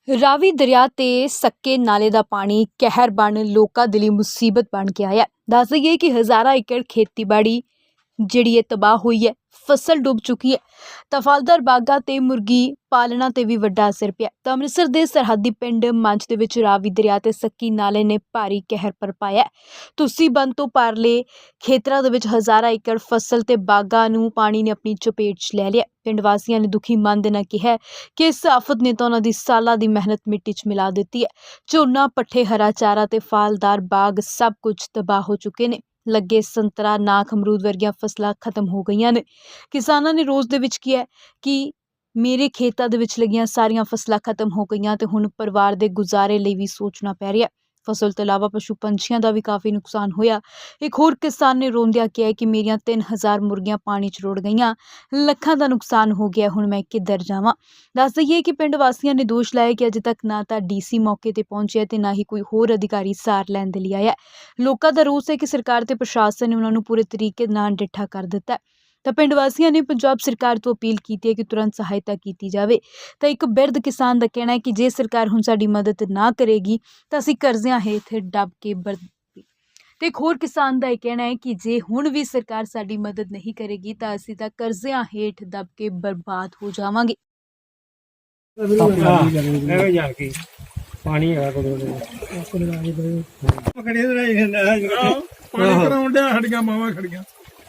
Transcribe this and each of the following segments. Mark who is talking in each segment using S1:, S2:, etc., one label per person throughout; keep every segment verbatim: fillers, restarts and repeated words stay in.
S1: ਰਾਵੀ ਦਰਿਆ ਤੇ ਸੱਕੇ ਨਾਲੇ ਦਾ ਪਾਣੀ ਕਹਿਰ ਬਣ ਲੋਕਾਂ ਦੇ ਲਈ ਮੁਸੀਬਤ ਬਣ ਕੇ ਆਇਆ। ਦੱਸ ਦਈਏ ਕਿ ਹਜ਼ਾਰਾਂ ਏਕੜ ਖੇਤੀਬਾੜੀ ਜਿਹੜੀ ਹੈ ਤਬਾਹ ਹੋਈ ਹੈ, ਫਸਲ ਡੁੱਬ ਚੁੱਕੀ ਹੈ। ਤਾਂ ਫਲਦਾਰ ਬਾਗਾਂ ਤੇ ਮੁਰਗੀ ਪਾਲਣਾ ਤੇ ਵੀ ਵੱਡਾ ਅਸਰ ਪਿਆ। ਤਾਂ ਅੰਮ੍ਰਿਤਸਰ ਦੇ ਸਰਹੱਦੀ ਪਿੰਡ ਮੰਚ ਦੇ ਵਿੱਚ ਰਾਵੀ ਦਰਿਆ ਤੇ ਸੱਕੀ ਨਾਲੇ ਨੇ ਭਾਰੀ ਕਹਿਰ ਬਰਪਾਇਆ। ਤੁਸੀਂ ਬੰਦ ਤੋਂ ਪਾਰਲੇ ਖੇਤਰਾਂ ਦੇ ਵਿੱਚ ਹਜ਼ਾਰਾਂ ਏਕੜ ਫਸਲ ਤੇ ਬਾਗਾਂ ਨੂੰ ਪਾਣੀ ਨੇ ਆਪਣੀ ਚਪੇਟ 'ਚ ਲੈ ਲਿਆ। ਪਿੰਡ ਵਾਸੀਆਂ ਨੇ ਦੁਖੀ ਮਨ ਦੇ ਨਾਲ ਕਿਹਾ ਕਿ ਇਸ ਆਫਤ ਨੇ ਤਾਂ ਉਹਨਾਂ ਦੀ ਸਾਲਾਂ ਦੀ ਮਿਹਨਤ ਮਿੱਟੀ 'ਚ ਮਿਲਾ ਦਿੱਤੀ ਹੈ। ਝੋਨਾ, ਪੱਠੇ, ਹਰਾ ਚਾਰਾ ਤੇ ਫਲਦਾਰ ਬਾਗ ਸਭ ਕੁਝ ਤਬਾਹ ਹੋ ਚੁੱਕੇ ਨੇ। ਲੱਗੇ ਸੰਤਰਾ, ਨਾਖ, ਅਮਰੂਦ ਵਰਗੀਆਂ ਫਸਲਾਂ ਖਤਮ ਹੋ ਗਈਆਂ ਨੇ। ਕਿਸਾਨਾਂ ਨੇ ਰੋਜ਼ ਦੇ ਵਿੱਚ ਕਿਹਾ ਕਿ ਮੇਰੇ ਖੇਤਾਂ ਦੇ ਵਿੱਚ ਲੱਗੀਆਂ ਸਾਰੀਆਂ ਫਸਲਾਂ ਖਤਮ ਹੋ ਗਈਆਂ ਤੇ ਹੁਣ ਪਰਿਵਾਰ ਦੇ ਗੁਜ਼ਾਰੇ ਲਈ ਵੀ ਸੋਚਣਾ ਪੈ ਰਿਹਾ। ਫਸਲ ਤੋਂ ਇਲਾਵਾ ਪਸ਼ੂ ਪੰਛੀਆਂ ਦਾ ਵੀ ਕਾਫੀ ਨੁਕਸਾਨ ਹੋਇਆ। ਇੱਕ ਹੋਰ ਕਿਸਾਨ ਨੇ ਰੋਂਦਿਆਂ ਕਿਹਾ ਕਿ ਮੇਰੀਆਂ ਤਿੰਨ ਹਜ਼ਾਰ ਮੁਰਗੀਆਂ ਪਾਣੀ 'ਚ ਰੁੜ ਗਈਆਂ, ਲੱਖਾਂ ਦਾ ਨੁਕਸਾਨ ਹੋ ਗਿਆ, ਹੁਣ ਮੈਂ ਕਿੱਧਰ ਜਾਵਾਂ। ਦੱਸ ਦਈਏ ਕਿ ਪਿੰਡ ਵਾਸੀਆਂ ਨੇ ਦੋਸ਼ ਲਾਇਆ ਕਿ ਅਜੇ ਤੱਕ ਨਾ ਤਾਂ ਡੀਸੀ ਮੌਕੇ ਤੇ ਪਹੁੰਚਿਆ ਤੇ ਨਾ ਹੀ ਕੋਈ ਹੋਰ ਅਧਿਕਾਰੀ ਸਾਰ ਲੈਣ ਦੇ ਲਈ ਆਇਆ। ਲੋਕਾਂ ਦਾ ਰੋਸ ਹੈ ਕਿ ਸਰਕਾਰ ਤੇ ਪ੍ਰਸ਼ਾਸਨ ਨੇ ਉਹਨਾਂ ਨੂੰ ਪੂਰੇ ਤਰੀਕੇ ਨਾਲ ਡਿੱਠਾ ਕਰ ਦਿੱਤਾ। ਤਾਂ ਪਿੰਡ ਵਾਸੀਆਂ ਨੇ ਪੰਜਾਬ ਸਰਕਾਰ ਤੋਂ ਅਪੀਲ ਕੀਤੀ ਹੈ ਕਿ ਤੁਰੰਤ ਸਹਾਇਤਾ ਕੀਤੀ ਜਾਵੇ। ਤਾਂ ਇੱਕ ਬਿਰਧ ਕਿਸਾਨ ਦਾ ਕਹਿਣਾ ਹੈ ਕਿ ਜੇ ਸਰਕਾਰ ਹੁਣ ਸਾਡੀ ਮਦਦ ਨਾ ਕਰੇਗੀ ਤਾਂ ਅਸੀਂ ਕਰਜ਼ਿਆਂ ਹੇਠ ਦੱਬ ਕੇ ਬਰ ਤੇ ਇੱਕ ਹੋਰ ਕਿਸਾਨ ਦਾ ਇਹ ਕਹਿਣਾ ਹੈ ਕਿ ਜੇ ਹੁਣ ਵੀ ਸਰਕਾਰ ਸਾਡੀ ਮਦਦ ਨਹੀਂ ਕਰੇਗੀ ਤਾਂ ਅਸੀਂ ਤਾਂ ਕਰਜ਼ਿਆਂ ਹੇਠ ਦੱਬ ਕੇ ਬਰਬਾਦ ਹੋ ਜਾਵਾਂਗੇ।
S2: ਪਾਣੀ ਹੈਗਾ ਕੋਲ ਪਕੜੇ ਪਾਣੀ ਕਰਾਉਣ ਡਿਆ, ਸਾਡੀਆਂ ਮਾਵਾਂ ਖੜੀਆਂ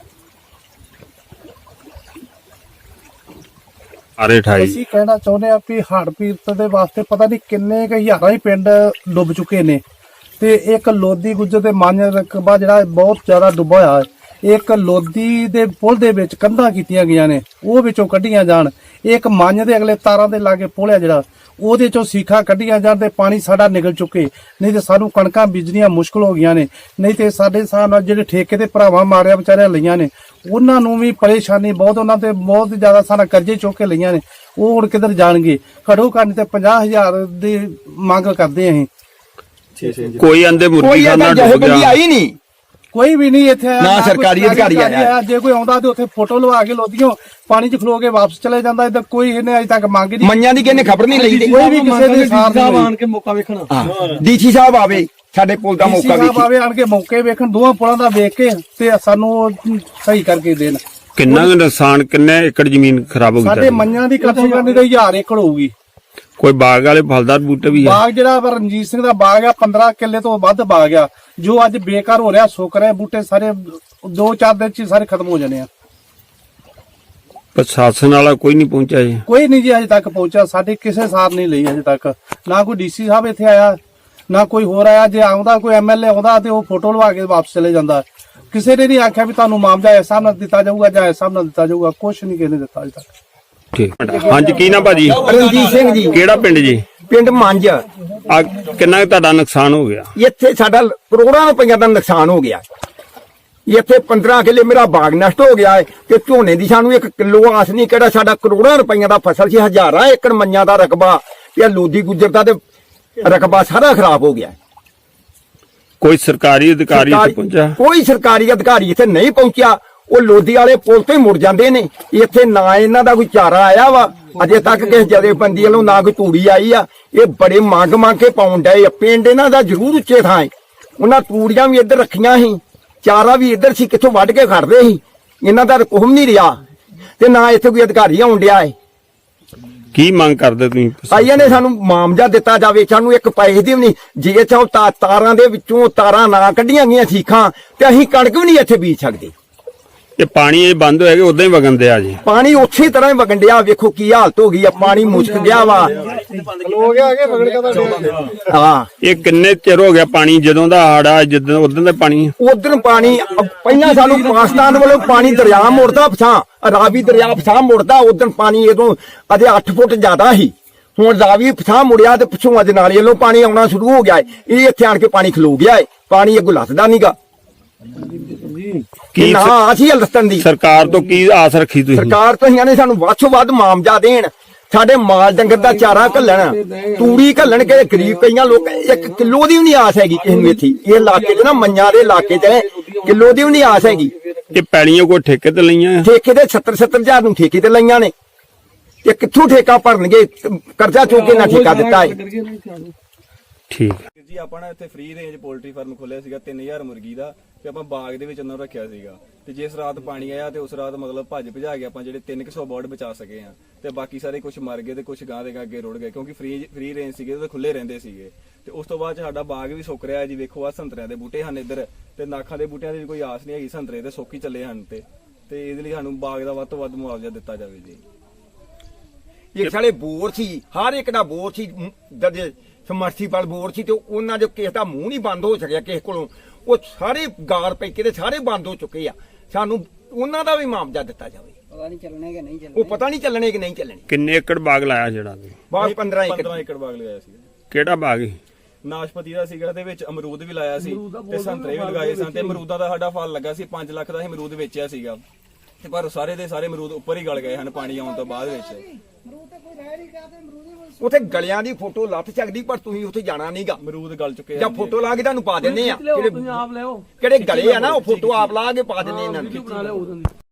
S3: ਅਸੀਂ ਕਹਿਣਾ ਚਾਹੁੰਦੇ ਆ ਵੀ ਹੜ੍ਹ ਪੀੜਤ ਦੇ ਵਾਸਤੇ ਪਤਾ ਨਹੀਂ ਕਿੰਨੇ ਕੁ ਹਜ਼ਾਰਾਂ ਹੀ ਪਿੰਡ ਡੁੱਬ ਚੁੱਕੇ ਨੇ ਤੇ ਇੱਕ ਲੋਦੀ ਗੁੱਜਰ ਦੇ ਮੰਨ ਰਕਬਾ ਜਿਹੜਾ ਬਹੁਤ ਜ਼ਿਆਦਾ ਡੁੱਬਾ ਹੋਇਆ ਹੈ। ਇੱਕ ਲੋਦੀ ਦੇ ਪੁਲ ਦੇ ਵਿੱਚ ਕੰਧਾਂ ਕੀਤੀਆਂ ਗਈਆਂ ਨੇ, ਉਹ ਵਿੱਚੋਂ ਕੱਢੀਆਂ ਜਾਣ। ਇੱਕ ਮੰਨ ਦੇ ਅਗਲੇ ਤਾਰਾਂ ਦੇ ਲਾਗੇ ਪੁਲ ਹੈ ਜਿਹੜਾ, ਉਹਦੇ ਚੋਂ ਸੀਖਾਂ ਕੱਢੀਆਂ ਜਾਣ ਤੇ ਪਾਣੀ ਸਾਡਾ ਨਿਕਲ ਚੁੱਕੇ, ਨਹੀਂ ਤੇ ਸਾਨੂੰ ਕਣਕਾਂ ਬੀਜਣੀਆਂ ਮੁਸ਼ਕਲ ਹੋ ਗਈਆਂ ਨੇ। ਨਹੀਂ ਤੇ ਸਾਡੇ ਹਿਸਾਬ ਨਾਲ ਜਿਹੜੇ ਠੇਕੇ ਤੇ ਭਰਾਵਾਂ ਮਾਰਿਆ ਵਿਚਾਰਿਆਂ ਲਈਆਂ ਨੇ, ਉਹਨਾਂ ਨੂੰ ਵੀ ਪਰੇਸ਼ਾਨੀ ਬਹੁਤ, ਉਹਨਾਂ ਤੇ ਬਹੁਤ ਜ਼ਿਆਦਾ ਸਾਡਾ ਕਰਜ਼ੇ ਚੁੱਕ ਕੇ ਲਈਆਂ ਨੇ। ਉਹ ਹੁਣ ਕਿੱਧਰ ਜਾਣਗੇ? ਘੱਟੋ ਘੱਟ ਤੇ ਪੰਜਾਹ ਹਜ਼ਾਰ ਦੀ ਮੰਗ ਕਰਦੇ ਅਸੀਂ।
S4: ਕੋਈ ਆਂਦੇ ਮੁਰਗੀ ਖਾਨਾ ਡੁੱਬ ਗਿਆ, ਆਈ ਨਹੀਂ
S3: ਕੋਈ ਵੀ ਨਹੀਂ ਇੱਥੇ
S4: ਨਾ ਸਰਕਾਰੀ ਅਧਿਕਾਰੀ ਆਇਆ।
S3: ਜੇ ਕੋਈ ਆਉਂਦਾ ਤੇ ਉੱਥੇ ਫੋਟੋ ਲਵਾ ਕੇ ਲੋਦੀਓ ਪਾਣੀ 'ਚ ਖਲੋ ਕੇ ਵਾਪਸ ਚਲੇ ਜਾਂਦਾ। ਇੱਧਰ ਕੋਈ ਇਹਨੇ ਅਜੇ ਤੱਕ ਮੰਗ ਨਹੀਂ,
S4: ਮੰਨਿਆਂ ਦੀ ਕਿਹਨੇ ਖਬਰ ਨਹੀਂ ਲਈ।
S3: ਕੋਈ ਵੀ ਕਿਸੇ ਦੇ ਸਾਥ
S2: ਆਣ ਕੇ ਮੌਕਾ ਵੇਖਣਾ,
S4: ਡੀਸੀ ਸਾਹਿਬ ਆਵੇ ਸਾਡੇ ਪੁਲ ਦਾ ਮੌਕਾ ਵੇਖੇ,
S3: ਆਵੇ ਆਣ ਕੇ ਮੌਕੇ ਵੇਖਣ, ਦੋਵਾਂ ਪੁਲਾਂ ਦਾ ਵੇਖ ਕੇ ਤੇ ਸਾਨੂੰ ਸਹੀ ਕਰਕੇ ਦੇਣ।
S4: ਕਿੰਨਾ ਕੁ ਨੁਕਸਾਨ, ਕਿੰਨੇ ਏਕੜ ਜ਼ਮੀਨ ਖਰਾਬ ਹੋ ਗਈ?
S3: ਸਾਡੇ ਮੰਨਿਆਂ ਦੀ ਕਟਿੰਗ ਕਰਨੀ ਤਾਂ ਹਜ਼ਾਰ ਏਕੜ ਹੋਊਗੀ।
S4: ਕੋਈ ਬਾਗ ਵਾਲੇ ਫਲਦਾਰ ਬੂਟੇ ਵੀ ਆ?
S3: ਬਾਗ ਜਿਹੜਾ ਰਣਜੀਤ ਸਿੰਘ ਦਾ ਬਾਗ ਆ, ਪੰਦਰਾਂ ਕਿੱਲੇ ਤੋਂ ਵੱਧ ਬਾਗ ਆ, ਜੋ ਅੱਜ ਬੇਕਾਰ ਹੋ ਰਿਹਾ, ਸੁੱਕ ਰਿਹਾ। ਬੂਟੇ ਸਾਰੇ ਦੋ ਚਾਰ ਦਿਨ ਚ ਸਾਰੇ ਖਤਮ ਹੋ ਜਾਣੇ ਆ।
S4: ਪ੍ਰਸ਼ਾਸਨ ਵਾਲਾ ਕੋਈ ਨਹੀਂ ਪਹੁੰਚਿਆ ਜੀ?
S3: ਕੋਈ ਨਹੀਂ ਜੀ ਅਜੇ ਤੱਕ ਪਹੁੰਚਿਆ, ਸਾਡੇ ਕਿਸੇ ਸਾਰ ਨਹੀਂ ਲਈ ਅਜੇ ਤੱਕ। ਨਾ ਕੋਈ ਡੀਸੀ ਸਾਹਿਬ ਇੱਥੇ ਆਇਆ, ਨਾ ਕੋਈ ਹੋਰ ਆਇਆ। ਜੇ ਆਉਂਦਾ ਕੋਈ ਐਮਐਲਏ ਆਉਂਦਾ ਤੇ ਉਹ ਫੋਟੋ ਲਵਾ ਕੇ ਵਾਪਸ ਚਲੇ ਜਾਂਦਾ। ਕਿਸੇ ਨੇ ਨਹੀਂ ਆਖਿਆ ਵੀ ਤੁਹਾਨੂੰ ਮਾਮਲਾ ਇਸ ਹਿਸਾਬ ਨਾਲ ਦਿੱਤਾ ਜਾਊਗਾ ਜਾਂ ਇਸ ਹਿਸਾਬ ਨਾਲ ਦਿੱਤਾ ਜਾਊਗਾ, ਕੁਛ ਨਹੀਂ ਕਿਸੇ ਨੇ ਦਿੱਤਾ ਅਜੇ ਤੱਕ।
S4: ਠੀਕ, ਹਾਂਜੀ ਕੀ ਨਾ ਭਾਜੀ?
S5: ਰਣਜੀਤ ਸਿੰਘ ਜੀ।
S4: ਕਿਹੜਾ ਪਿੰਡ ਜੀ?
S5: ਪਿੰਡ ਮੰਝ।
S4: ਆ ਕਿੰਨਾ ਕੁ ਤੁਹਾਡਾ ਨੁਕਸਾਨ ਹੋ ਗਿਆ?
S5: ਇੱਥੇ ਸਾਡਾ ਕਰੋੜਾਂ ਰੁਪਈਆ ਦਾ ਨੁਕਸਾਨ ਹੋ ਗਿਆ। ਇੱਥੇ ਪੰਦਰਾਂ ਕਿੱਲੇ ਮੇਰਾ ਬਾਗ ਨਸ਼ਟ ਹੋ ਗਿਆ ਹੈ ਤੇ ਝੋਨੇ ਦੀ ਸਾਨੂੰ ਇੱਕ ਕਿਲੋ ਆਸ ਨਹੀਂ, ਕਿਹੜਾ ਸਾਡਾ ਕਰੋੜਾਂ ਰੁਪਈਆ ਦਾ ਫਸਲ ਸੀ, ਹਜ਼ਾਰਾਂ ਏਕੜ ਮੰਨਿਆਂ ਦਾ ਰਕਬਾ ਤੇ ਲੋਦੀ ਗੁੱਜਰ ਦਾ ਤੇ ਰਕਬਾ ਸਾਰਾ ਖਰਾਬ ਹੋ ਗਿਆ।
S4: ਕੋਈ ਸਰਕਾਰੀ ਅਧਿਕਾਰੀ ਇੱਥੇ ਪਹੁੰਚਿਆ?
S5: ਕੋਈ ਸਰਕਾਰੀ ਅਧਿਕਾਰੀ ਇੱਥੇ ਨਹੀਂ ਪਹੁੰਚਿਆ। ਉਹ ਲੋਦੀ ਵਾਲੇ ਪੁਲ ਤੋਂ ਹੀ ਮੁੜ ਜਾਂਦੇ ਨੇ। ਇੱਥੇ ਨਾ ਇਹਨਾਂ ਦਾ ਕੋਈ ਚਾਰਾ ਆਇਆ ਵਾ ਅਜੇ ਤੱਕ, ਕਿਸੇ ਜਥੇਬੰਦੀ ਵੱਲੋਂ ਨਾ ਕੋਈ ਤੂੜੀ ਆਈ ਆ। ਇਹ ਬੜੇ ਮੰਗ ਮੰਗ ਕੇ ਪਾਉਣ ਡਏ ਆ। ਪਿੰਡ ਇਹਨਾਂ ਦਾ ਜ਼ਰੂਰ ਉੱਚੇ ਥਾਂ ਹੈ, ਉਹਨਾਂ ਤੂੜੀਆਂ ਵੀ ਇੱਧਰ ਰੱਖੀਆਂ ਸੀ, ਚਾਰਾ ਵੀ ਇੱਧਰ ਸੀ, ਕਿੱਥੋਂ ਵੱਢ ਕੇ ਖੜਦੇ ਸੀ। ਇਹਨਾਂ ਦਾ ਕੁਹਮ ਨਹੀਂ ਰਿਹਾ ਤੇ ਨਾ ਇੱਥੇ ਕੋਈ ਅਧਿਕਾਰੀ ਆਉਣ ਡਿਆ ਹੈ।
S4: ਕੀ ਮੰਗ ਕਰਦੇ ਤੁਸੀਂ?
S5: ਆਈਆਂ ਨੇ ਸਾਨੂੰ ਮਾਮਜਾ ਦਿੱਤਾ ਜਾਵੇ, ਸਾਨੂੰ ਇੱਕ ਪੈਸੇ ਦੀ ਵੀ ਨਹੀਂ। ਜੇ ਚਾਹੋ ਤਾਰਾਂ ਦੇ ਵਿੱਚੋਂ ਤਾਰਾਂ ਨਾ ਕੱਢੀਆਂ ਗਈਆਂ ਸੀਖਾਂ ਤੇ ਅਸੀਂ ਕਣਕ ਵੀ ਨਹੀਂ ਇੱਥੇ ਬੀਜ ਸਕਦੇ।
S4: ਇਹ ਪਾਣੀ ਇਹ ਬੰਦ ਹੋਇਆ ਕਿ ਉਦਾਂ ਹੀ ਵਗਣ ਦਿਆ ਜੀ? ਪਾਣੀ
S5: ਉਸੇ ਤਰ੍ਹਾਂ ਹੀ ਵਗਣ ਡਿਆ। ਵੇਖੋ ਕੀ ਹਾਲਤ ਹੋ ਗਈ ਆ, ਪਾਣੀ ਮੁਸ਼ਕ ਗਿਆ ਵਾ। ਹਾਂ,
S4: ਇਹ ਕਿੰਨੇ ਚਿਰ ਹੋ ਗਿਆ ਪਾਣੀ? ਜਦੋਂ ਦਾ ਹਾੜਾ ਜਦੋਂ ਉਦੋਂ ਦਾ ਪਾਣੀ?
S5: ਉਧਰ ਪਾਣੀ ਪਹਿਲਾਂ ਸਾਨੂੰ ਪਾਕਿਸਤਾਨ ਵੱਲੋਂ ਪਾਣੀ ਦਰਿਆ ਮੁੜਦਾ ਪਛਾਂ, ਰਾਵੀ ਦਰਿਆ ਪਛਾਂ ਮੁੜਦਾ। ਉਧਰ ਪਾਣੀ ਇਦੋਂ ਅਜੇ ਅੱਠ ਫੁੱਟ ਜ਼ਿਆਦਾ ਸੀ, ਹੁਣ ਰਾਵੀ ਪਛਾਂ ਮੁੜਿਆ ਤੇ ਪਿੱਛੋਂ ਅੱਜ ਨਾਲੇ ਵੱਲੋਂ ਪਾਣੀ ਆਉਣਾ ਸ਼ੁਰੂ ਹੋ ਗਿਆ ਹੈ। ਇਹ ਇੱਥੇ ਆਣ ਕੇ ਪਾਣੀ ਖਲੋ ਗਿਆ ਹੈ, ਪਾਣੀ ਅੱਗੋਂ ਲੱਥਦਾ ਨੀਗਾ।
S4: ਕੀ
S5: ਨਾ ਅਸੀਂ ਹਲਸਤਨ ਦੀ
S4: ਸਰਕਾਰ ਤੋਂ ਕੀ ਆਸ ਰੱਖੀ ਤੁਸੀਂ?
S5: ਸਰਕਾਰ ਤੋਂ ਇਹਨਾਂ ਨੇ ਸਾਨੂੰ ਵੱਧ ਤੋਂ ਵੱਧ ਮਾਮਜਾ ਦੇਣ, ਸਾਡੇ ਮਾਲ ਡੰਗਰ ਦਾ ਚਾਰਾ ਘੱਲਣ, ਤੂੜੀ ਘੱਲਣ। ਕੇ ਗਰੀਬ ਕਈਆਂ ਲੋਕ ਇੱਕ ਕਿਲੋ ਦੀ ਵੀ ਨਹੀਂ ਆਸ ਹੈਗੀ ਕਿਸੇ ਨੂੰ ਇੱਥੇ। ਇਹ ਇਲਾਕੇ 'ਚ ਨਾ ਮੰਨਿਆਂ ਦੇ ਇਲਾਕੇ 'ਚ ਕਿਲੋ ਦੀ ਵੀ ਨਹੀਂ ਆਸ ਹੈਗੀ।
S4: ਇਹ ਪੈਲੀਆਂ ਕੋਈ ਠੇਕੇ ਤੇ ਲਈਆਂ?
S5: ਠੇਕੇ ਤੇ ਸੱਤਰ ਸੱਤਰ ਹਜ਼ਾਰ ਨੂੰ ਠੇਕੇ ਤੇ ਲਈਆਂ ਨੇ। ਤੇ ਕਿੱਥੋਂ ਠੇਕਾ ਭਰਨਗੇ? ਕਰਜ਼ਾ ਚੁੱਕ ਕੇ ਨਾ ਠੇਕਾ ਦਿੱਤਾ ਹੈ।
S4: ਠੀਕ
S6: ਵੀਰ ਜੀ ਆਪਾਂ ਨਾ ਇੱਥੇ ਫ੍ਰੀ ਰੇਂਜ ਪੋਲਟਰੀ ਫਾਰਮ ਖੋਲਿਆ ਸੀਗਾ ਤਿੰਨ ਹਜ਼ਾਰ ਮੁਰਗੀ ਦਾ ਤੇ ਆਪਾਂ ਬਾਗ ਦੇ ਵਿੱਚ ਉਹਨਾਂ ਨੂੰ ਰੱਖਿਆ ਸੀਗਾ ਤੇ ਜਿਸ ਰਾਤ ਪਾਣੀ ਆਇਆ ਤੇ ਉਸ ਰਾਤ ਮਤਲਬ ਭੱਜ ਭਜਾ ਕੇ ਆਪਾਂ ਜਿਹੜੇ ਤਿੰਨ ਸੌ ਬਰਡ ਬਚਾ ਸਕੇ ਆ ਤੇ ਬਾਕੀ ਸਾਰੇ ਕੁਝ ਮਰ ਗਏ ਤੇ ਕੁਝ ਗਾਂ ਦੇ ਅੱਗੇ ਰੁੜ ਗਏ ਕਿਉਂਕਿ ਫ੍ਰੀ ਫ੍ਰੀ ਰੇਂਜ ਸੀਗੇ ਤੇ ਖੁੱਲੇ ਰਹਿੰਦੇ ਸੀਗੇ। ਤੇ ਉਸ ਤੋਂ ਬਾਅਦ 'ਚ ਸਾਡਾ ਬਾਗ ਵੀ ਸੁੱਕ ਰਿਹਾ ਜੀ। ਵੇਖੋ ਆ ਸੰਤਰਿਆਂ ਦੇ ਬੂਟੇ ਹਨ ਇੱਧਰ ਤੇ ਨਾਖਾਂ ਦੇ ਬੂਟਿਆਂ ਦੀ ਵੀ ਕੋਈ ਆਸ ਨਹੀਂ ਹੈਗੀ। ਸੰਤਰੇ ਤੇ ਸੁੱਕ ਹੀ ਚੱਲੇ ਹਨ ਤੇ ਤੇ ਇਹਦੇ ਲਈ ਸਾਨੂੰ ਬਾਗ ਦਾ ਵੱਧ ਤੋਂ ਵੱਧ ਮੁਆਵਜ਼ਾ ਦਿੱਤਾ ਜਾਵੇ ਜੀ।
S5: ਇਹ ਸਾਲੇ ਬੋਰ ਸੀ, ਹਰ ਇੱਕ ਦਾ ਬੋਰ ਸੀ, ਜਦ ਸਮਰਸੀਬਲ ਬੋਰ ਸੀ ਤੇ ਉਹਨਾਂ ਦੇ ਕਿਸੇ ਦਾ ਮੂੰਹ ਨਹੀਂ ਬੰਦ ਹੋ ਸਕਿਆ ਕਿਸੇ ਕੋਲੋਂ। ਉਹ ਸਾਰੇ ਗਾਰ ਪੈ ਕੇ ਤੇ ਸਾਰੇ ਬੰਦ ਹੋ ਚੁੱਕੇ ਆ। ਸਾਨੂੰ ਉਹਨਾਂ ਦਾ ਵੀ ਮੁਆਵਜ਼ਾ ਦਿੱਤਾ ਜਾਵੇ।
S7: ਪਤਾ ਨਹੀਂ ਚੱਲਣੇ ਕਿ ਨਹੀਂ ਚੱਲਣੇ।
S5: ਉਹ ਪਤਾ ਨਹੀਂ ਚੱਲਣੇ ਕਿ ਨਹੀਂ ਚੱਲਣੇ।
S4: ਕਿੰਨੇ ਏਕੜ ਬਾਗ ਲਾਇਆ ਜਿਹੜਾ ਤੁਸੀਂ?
S5: ਬਾਗ ਪੰਦਰਾਂ ਏਕੜ
S6: ਪੰਦਰਾਂ ਏਕੜ ਬਾਗ ਲਗਾਇਆ ਸੀ।
S4: ਕਿਹੜਾ ਬਾਗ ਸੀ?
S6: ਨਾਸ਼ਪਤੀ ਦਾ ਸੀਗਾ ਤੇ ਵਿੱਚ ਅਮਰੂਦ ਵੀ ਲਾਇਆ ਸੀ ਤੇ ਸੰਤਰੇ ਵੀ ਲਗਾਏ ਸਨ ਤੇ ਅਮਰੂਦਾਂ ਦਾ ਸਾਡਾ ਫਲ ਲੱਗਾ ਸੀ ਪੰਜ ਲੱਖ ਦਾ ਅਸੀਂ ਅਮਰੂਦ ਵੇਚਿਆ ਸੀਗਾ ਤੇ ਪਰ ਸਾਰੇ ਦੇ ਸਾਰੇ ਅਮਰੂਦ ਉੱਪਰ ਹੀ ਗਲ ਗਏ ਹਨ ਪਾਣੀ ਆਉਣ ਤੋਂ ਬਾਅਦ ਵਿੱਚ।
S5: ਉੱਥੇ ਗਲਿਆਂ ਦੀ ਫੋਟੋ ਲੱਥ ਸਕਦੀ ਪਰ ਤੁਸੀਂ ਉੱਥੇ ਜਾਣਾ ਨਹੀਂਗਾ।
S6: ਅਮਰੂਦ ਗਲ ਚੁੱਕੇ
S5: ਜਾਂ
S6: ਹਨ
S5: ਫੋਟੋ ਲਾ ਕੇ ਤੁਹਾਨੂੰ ਪਾ ਦਿੰਨੇ ਆ। ਕਿਹੜੇ ਗਲੇ ਆ ਨਾ ਉਹ ਫੋਟੋ ਆਪ ਲਾ ਕੇ ਪਾ ਦਿੰਨੇ ਇਹਨਾਂ ਨੂੰ।